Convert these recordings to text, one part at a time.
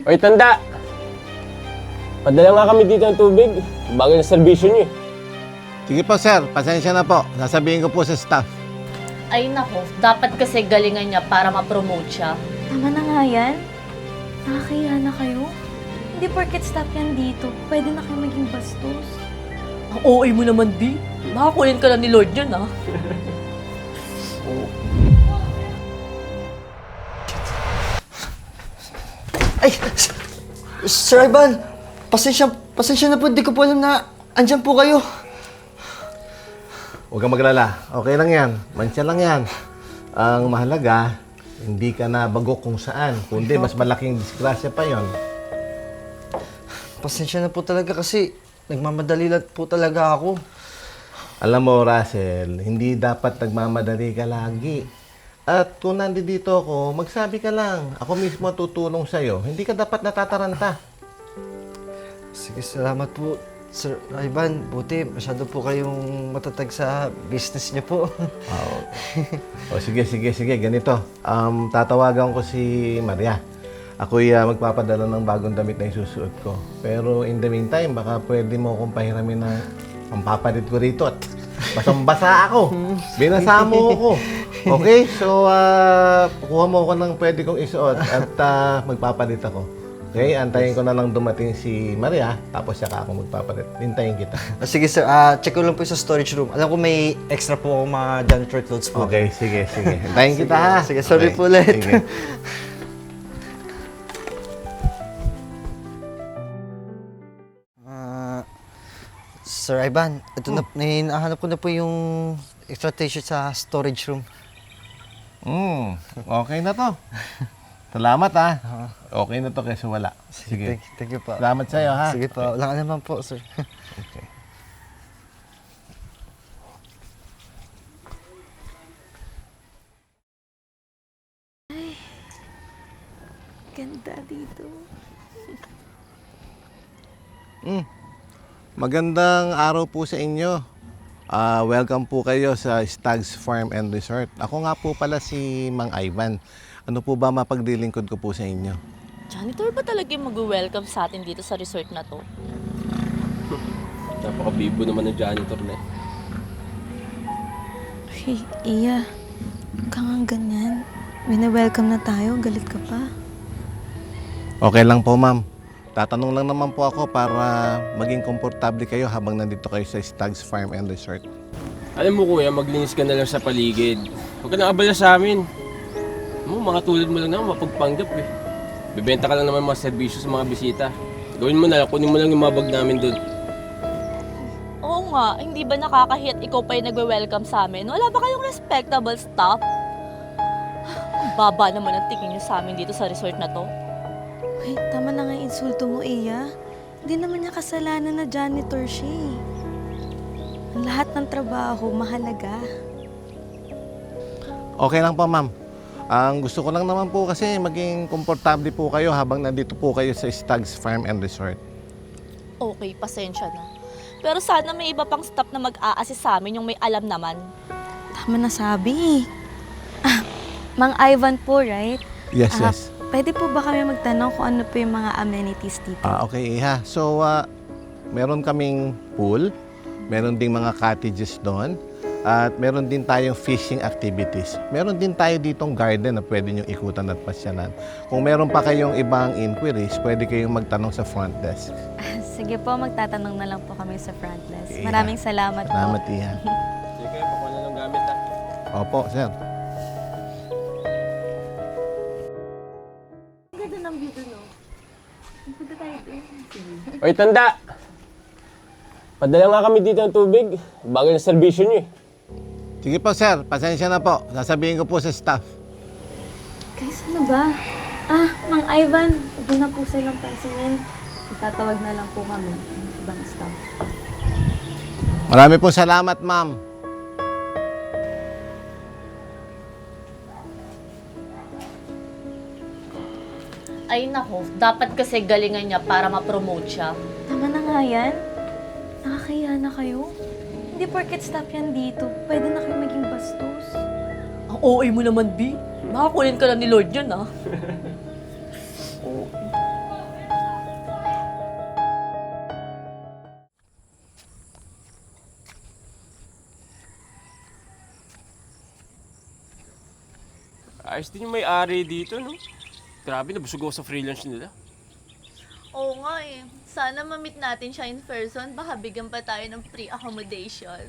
Oy, tanda! Padala nga kami dito ng tubig. Bago na serbisyo niyo eh. Sige po sir, pasensya na po. Sasabihin ko po sa staff. Ay nako, dapat kasi galingan niya para ma-promote siya. Tama na nga yan. Nakakahiya na kayo. Hindi porket stop yan dito. Pwede na kayo maging bastos. Ang OA mo naman, B. Makakunin ka lang ni Lord yun, ah. Ay! Sir Ivan! Pasensya na po. Di ko po alam na andyan po kayo. Huwag kang maglala. Okay lang yan. Mansya lang yan. Ang mahalaga, hindi ka na bagok kung saan. Kundi mas malaking disgrasya pa yon. Pasensya na po talaga kasi nagmamadali lang po talaga ako. Alam mo, Russell, hindi dapat nagmamadali ka lagi. At kung nandito ako, magsabi ka lang. Ako mismo tutulong sa'yo. Hindi ka dapat natataranta. Sige, salamat po. Sir Ivan, buti masyado po kayong matatag sa business niyo po. O sige. Ganito. Tatawagan ko si Maria. Ako'y magpapadala ng bagong damit na isusuot ko. Pero in the meantime, baka pwede mo akong pahiramin ng pampapalit ko rito at basang-basa ako. Binasa mo ako. Okay? So, kuha mo ako ng pwede kong isuot at magpapalit ako. Okay? Antayin ko na lang dumating si Maria, tapos saka ako magpapalit. Hintayin kita. Sige sir, check ko lang po sa storage room. Alam ko may extra po akong mga janitor clothes po. Okay, sige. Hintayin kita ha. Sige, sorry Okay, po ulit. Sige. Sir Ivan, ito na, hinahanap ko na po yung extra t-shirt sa storage room. Okay na to. Salamat ha. Okay na to kaysa wala. Sige. Thank you po. Salamat sa'yo ha. Sige po, wala ka naman po, sir. Okay. Ganda dito. Magandang araw po sa inyo. Welcome po kayo sa Stags Farm and Resort. Ako nga po pala si Mang Ivan. Ano po ba mapaglilingkod ko po sa inyo? Janitor ba talaga yung mag-welcome sa atin dito sa resort na to? Napaka-bibo naman ng janitor na eh. Hey, Iya. Huwag ka nga ganyan. Wina-welcome na tayo. Galit ka pa. Okay lang po, ma'am. Tatanong lang naman po ako para maging komportable kayo habang nandito kayo sa Stags Farm and Resort. Alam mo kuya, maglinis ka na lang sa paligid. Huwag ka nang abala sa amin. Mga tulad mo lang naman, mapagpanggap eh. Bibenta ka lang naman mga serbisyo sa mga bisita. Gawin mo na lang, kunin mo lang yung mga bag namin doon. Oo nga, hindi ba nakakahit ikaw pa yung nagwe-welcome sa amin? Wala ba kayong respectable staff? Ang baba naman ang tingin niyo sa amin dito sa resort na to. Hey, tama na nga yung insulto mo, Iya. Hindi naman niya kasalanan na janitor siya eh. Ang lahat ng trabaho, mahalaga. Okay lang po, ma'am. Ang gusto ko lang naman po kasi maging komportable po kayo habang nandito po kayo sa Stags Farm and Resort. Okay, pasensya na. Pero sana may iba pang staff na mag-a-assist sa amin yung may alam naman. Tama na sabi. Mang Ivan po, right? Yes, yes. Pwede po ba kami magtanong kung ano po yung mga amenities dito? Okay, Iha. So, meron kaming pool, meron ding mga cottages doon, at meron din tayong fishing activities. Meron din tayo ditong garden na pwede nyo ikutan at pasyanan. Kung meron pa kayong ibang inquiries, pwede kayong magtanong sa front desk. Sige po, magtatanong na lang po kami sa front desk. Yeah. Maraming salamat po. Salamat, Iha. Sige, pakuha na lang gamit ha. Opo, sir. Oy, tanda! Padala nga kami dito ng tubig. Bago na serbisyo niyo eh. Sige po, sir. Pasensya na po. Sasabihin ko po sa staff. Guys, ano ba? Mang Ivan, huwag na po silang pansinin. Itatawag na lang po kami ng ibang staff. Marami po salamat, ma'am. Ay nako, dapat kasi galingan niya para ma-promote siya. Tama na nga yan. Nakakahiya na kayo. Hindi porket stop yan dito. Pwede na kayo maging bastos. Ang OA mo naman, B. Makakunin ka lang ni Lord yun, ah. Ayos din yung may-ari dito, no? Grabe, nabusog ako sa freelance nila. Oo nga eh. Sana ma-meet natin siya in person. Baka bigyan pa tayo ng free accommodation.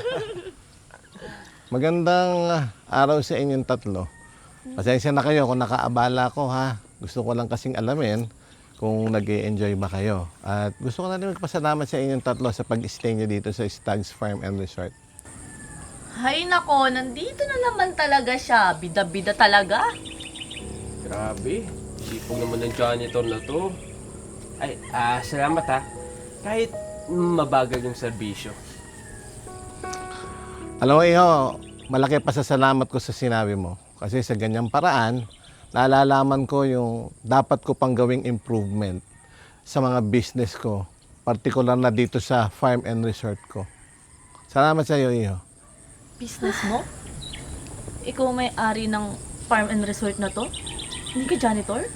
Magandang araw sa inyong tatlo. Pasensya na kayo kung nakaabala ko ha. Gusto ko lang kasing alamin kung nag-enjoy ba kayo. At gusto ko na rin magpasalamat sa inyong tatlo sa pag-stay nyo dito sa Stags Farm and Resort. Hay nako, nandito na naman talaga siya. Bida-bida talaga. Grabe, sipog naman ng janitor na to. Ay, salamat ha. Kahit mabagal yung serbisyo. Alam mo, Iho, malaki pasasalamat ko sa sinabi mo. Kasi sa ganyang paraan, naalalaman ko yung dapat ko pang gawing improvement sa mga business ko, partikular na dito sa farm and resort ko. Salamat sa iyo, Iho. Business mo? Ikaw may-ari ng farm and resort na to? Hindi ka janitor?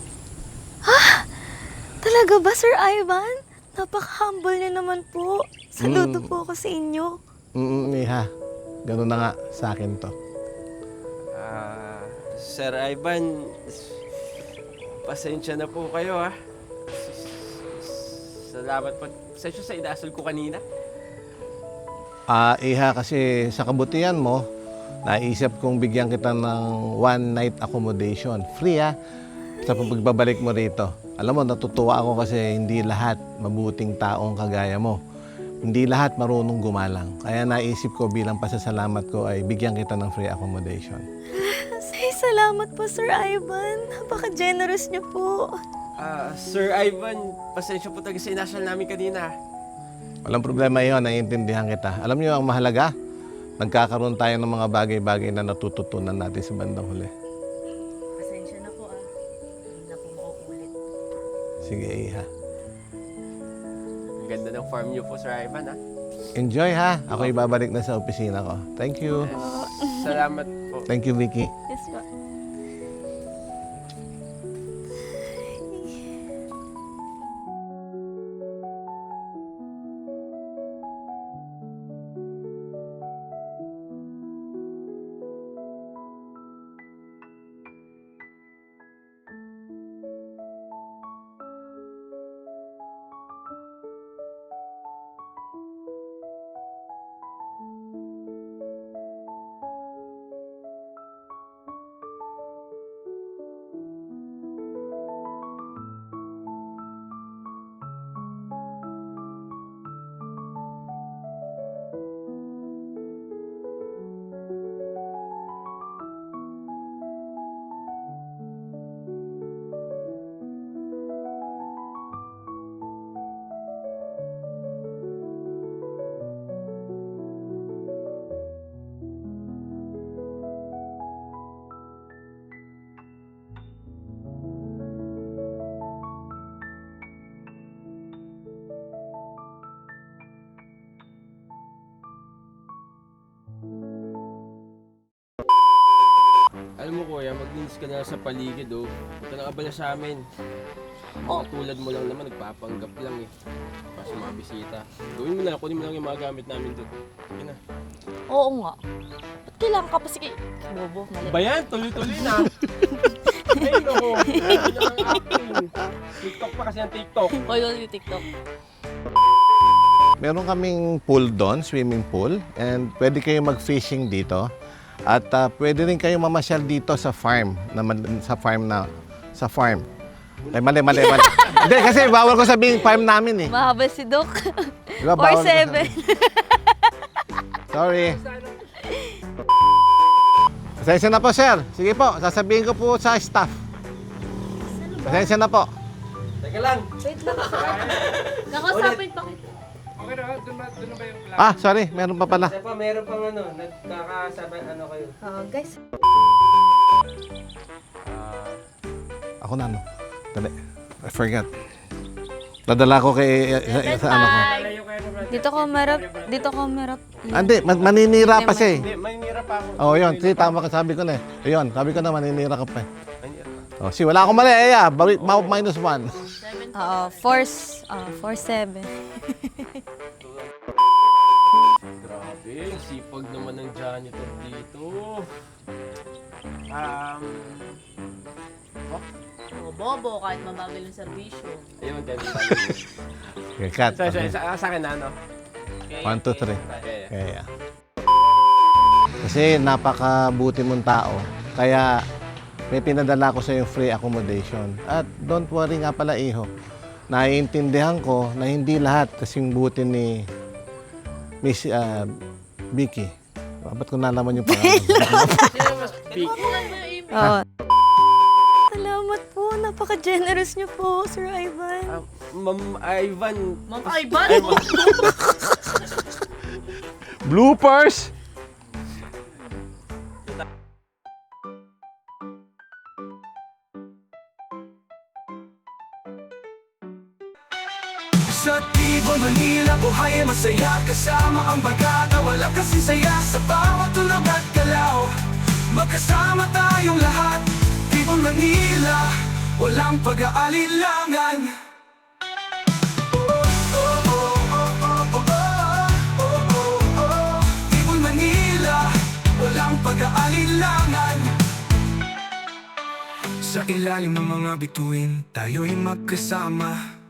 Talaga ba, Sir Ivan? Napaka-humble niya naman po. Saludo po ako sa inyo. Iha, ganun na nga sa akin to. Sir Ivan, pasensya na po kayo ha. Salamat po. Pasensya sa inasal ko kanina. Iha, kasi sa kabutihan mo, naisip kong bigyan kita ng one night accommodation. Free ha, sa pagbabalik mo rito. Alam mo, natutuwa ako kasi hindi lahat mabuting taong kagaya mo. Hindi lahat marunong gumalang. Kaya naisip ko bilang pasasalamat ko ay bigyan kita ng free accommodation. Say, salamat po, Sir Ivan. Napaka-generous niyo po. Sir Ivan, pasensya po talaga sa inasal namin kanina. Walang problema yun, naiintindihan kita. Alam niyo ang mahalaga, nagkakaroon tayo ng mga bagay-bagay na natututunan natin sa bandang huli. Pasensya na po Hindi na po mauulit. Sige, Iha. Ang ganda ng farm niyo po, Sir Ivan ha. Enjoy ha. Ako ibabalik na sa opisina ko. Thank you. Salamat po. Thank you, Vicky. Yes po. Alam mo kuya, maglinis ka na sa paligid oh. Huwag ka nang abala sa amin. Tulad mo lang naman, nagpapanggap lang eh. Para sa mga bisita. Gawin mo na, kunin mo lang yung mga gamit namin doon. Sige na. Oo nga. Ba't kailangan ka pa sige? Bobo, mali. Ba yan? Tuloy-tuloy na. Ay, no. Yan ang acting. TikTok pa kasi ang TikTok. Hoy, yung TikTok. Meron kaming pool doon, swimming pool. And pwede kayo mag-fishing dito. At pwede rin kayo mamasyal dito sa farm. Sa farm. Ay, mali. Hindi, kasi bawal ko sabihin farm namin eh. Mahaba si Doc. Diba, bawal ko 4-7. sabihin. Sorry. Pasensya na po, sir. Sige po, sasabihin ko po sa staff. Pasensya na po. Teka lang. Wait lang. Nakasapit pa kita. Okay na, doon na ba yung plan? Sorry, meron pa pala. Kasi pa, meron pang nagkakasabay kayo. Guys. Ako na, ano? Dali. I forgot. Nadala ko kay sa ano ko. Dito ko merap. Hindi, maninira pa siya eh. Hindi, may nira pa ako. Oh, yun. Sige, tama ka. Sabi ko na eh. Ayun, sabi ko na maninira ka pa eh. May nira pa. Oh, si wala akong mali. Minus 1. Oo, 4-7. Grabe, sipag naman ng janitor dito. O bobo, kahit mabagal yung serbisyo. Ayun, 10. Okay, cut. Sorry, Okay. sa akin na, ano? 1, 2, 3. Okay. Kaya. Kasi napakabuti mong tao. Kaya may pinadala ko sa yung free accommodation. At don't worry nga pala, iho. Naiintindihan ko na hindi lahat kasing buti ni Miss Vicky. Ba't ko nalaman yung pangalan? Sino mas big? Oo. Salamat po. Napaka-generous niyo po, Sir Ivan. Ma'am Ivan. Ma'am Ivan! Bloopers! Sa Tibo, Manila, buhay ay masaya kasama ang bagata, wala kasing saya sa bawat tulog at galaw. Magkasama tayong lahat, Tibo, Manila, walang pag-aalilangan. Tibo, Manila, walang pag-aalilangan. Sa ilalim ng mga bituin, tayo'y magkasama.